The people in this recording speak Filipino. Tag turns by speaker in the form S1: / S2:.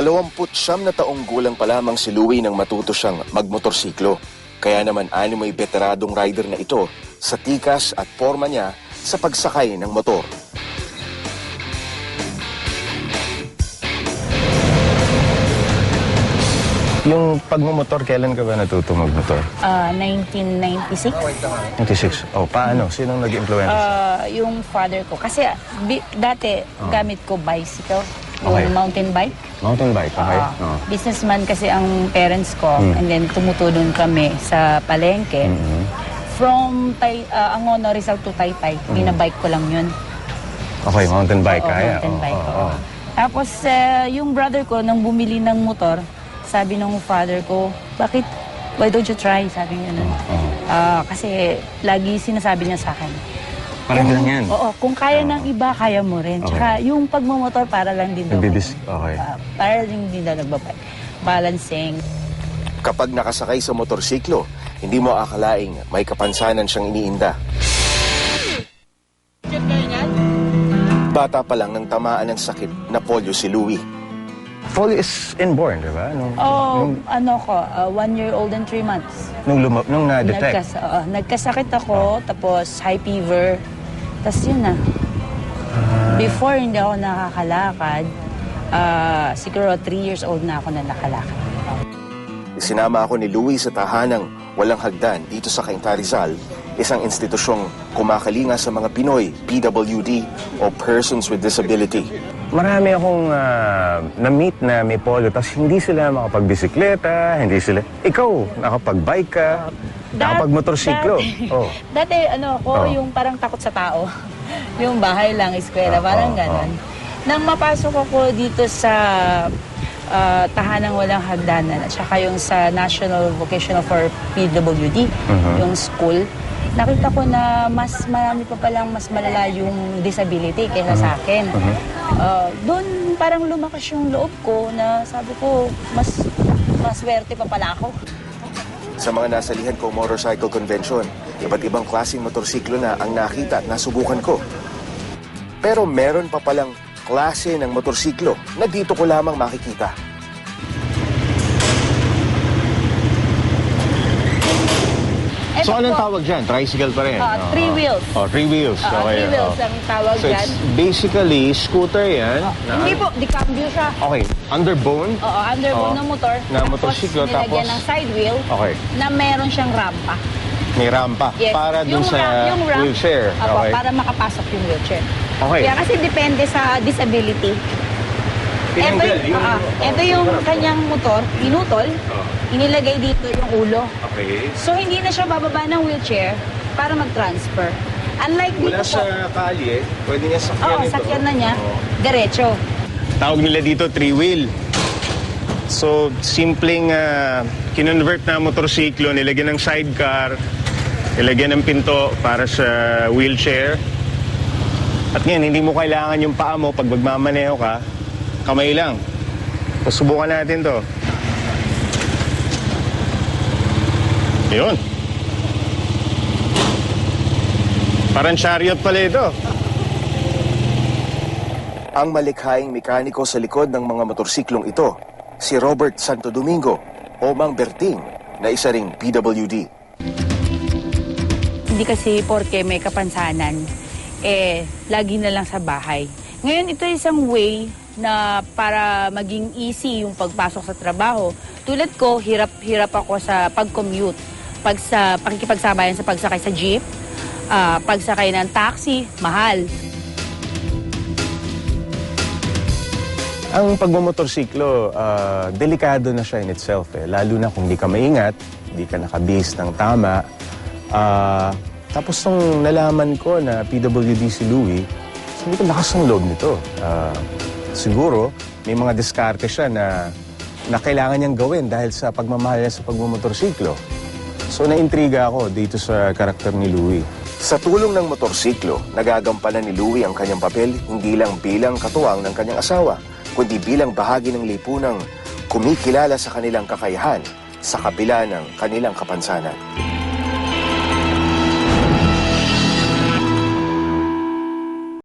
S1: 29 na taong gulang pa lamang si Louie nang matuto siyang magmotorsiklo. Kaya naman may veteradong rider na ito sa tikas at forma niya sa pagsakay ng motor.
S2: Yung pagmumotor, kailan ka ba natuto magmotor?
S3: 1996.
S2: 96. Oh, paano? Sinong nag-influence?
S3: Yung father ko. Kasi dati gamit ko bicycle. Yung
S2: Okay.
S3: mountain bike.
S2: Mountain bike, okay.
S3: Businessman kasi ang parents ko. And then tumutulong kami sa palengke. From Angono, Rizal to Taytay. Binabike ko lang yun.
S2: Okay, mountain bike,
S3: Oo,
S2: kaya.
S3: mountain bike. Oo. Tapos yung brother ko, nang bumili ng motor, sabi ng father ko, why don't you try? Sabi niya nun. Kasi lagi sinasabi niya sa akin.
S2: Parang lang yan.
S3: Oo, kung kaya ng iba, kaya mo rin. Tsaka yung pagmamotor, para lang din daw.
S2: Okay.
S3: Para lang din daw nagbabike. Balancing.
S1: Kapag nakasakay sa motorsiklo, hindi mo akalaing may kapansanan siyang iniinda. Bata pa lang nang tamaan ng sakit na polio si Louie.
S2: Polio is inborn, di ba?
S3: Ano ko, 1 year old and 3 months.
S2: Nung na-detect.
S3: Nagkasakit ako, tapos high fever. Tapos yun na. Before, hindi ako nakakalakad. Siguro 3 years old na ako na nakalakad.
S1: Sinama ako ni Louie sa tahanang walang hagdan dito sa Cainta, Rizal, isang institusyong kumakalinga sa mga Pinoy, PWD o Persons with Disability.
S2: Marami akong na-meet na may polio, tapos hindi sila makapagbisikleta, hindi sila... Ikaw, nakapag-bike ka, nakapag-motorsiklo.
S3: Dati, yung parang takot sa tao. Yung bahay lang, eskwela, parang ganon. Nang mapasok ako dito sa tahanang walang hagdanan, at saka yung sa National Vocational for PWD, yung school, nakita ko na mas marami pa palang mas malala yung disability kaysa sa akin. Doon parang lumakas yung loob ko na sabi ko, mas swerte pa pala ako.
S1: Sa mga nasalihan kong motorcycle convention, iba't ibang klaseng motorsiklo na ang nakita at nasubukan ko. Pero meron pa palang klase ng motorsiklo na dito ko lamang makikita.
S2: So, anong tawag dyan? Tricycle pa rin?
S3: 3 wheels.
S2: 3 wheels.
S3: 3 wheels ang tawag
S2: So,
S3: dyan.
S2: it's basically scooter yan.
S3: Hindi po, di cambio siya.
S2: Okay, underbone.
S3: Underbone ng motor.
S2: Na motorsiklo,
S3: tapos nilagyan ng side wheel na meron siyang rampa.
S2: May rampa.
S3: Yes.
S2: Para dun sa
S3: yung ramp,
S2: wheelchair. Okay.
S3: Para makapasok yung wheelchair.
S2: Okay.
S3: Kaya kasi depende sa disability. Ito yung kanyang motor, pinutol, inilagay dito yung ulo.
S2: Okay.
S3: So hindi na siya bababa ng wheelchair para mag-transfer. Unlike dito
S2: Mula sa kalye, pwede niya sakyan ito.
S3: sakyan na niya, diretso.
S2: Tawag nila dito 3-wheel. So, simpleng kinonvert na motorsiklo, nilagyan ng sidecar, nilagyan ng pinto para sa wheelchair. At ngayon, hindi mo kailangan yung paa mo pag magmamaneho ka, kamay lang. So, subukan natin to. Yun. Parang chariot pala ito.
S1: Ang malikhaing mekaniko sa likod ng mga motorsiklong ito, si Robert Santo Domingo o Mang Berting, na isa ring PWD.
S3: Hindi kasi porke may kapansanan, lagi na lang sa bahay. Ngayon, ito isang way na para maging easy yung pagpasok sa trabaho. Tulad ko, hirap ako sa pag-commute. Sa pakikipagsabayan sa pagsakay sa jeep, pagsakay ng taxi, mahal.
S2: Ang pagmamotorsiklo, delikado na siya in itself. Lalo na kung di ka maingat, di ka nakabase ng tama. Tapos nung nalaman ko na PWD si Louie, sabi ko, lakas ng loob nito. Siguro, may mga diskarte siya na kailangan niyang gawin dahil sa pagmamahal niya sa pagmamotorsiklo. So, naintriga ako dito sa karakter ni Louie.
S1: Sa tulong ng motorsiklo, nagagampanan ni Louie ang kanyang papel hindi lang bilang katuwang ng kanyang asawa, kundi bilang bahagi ng lipunang kumikilala sa kanilang kakayahan sa kabila ng kanilang kapansanan.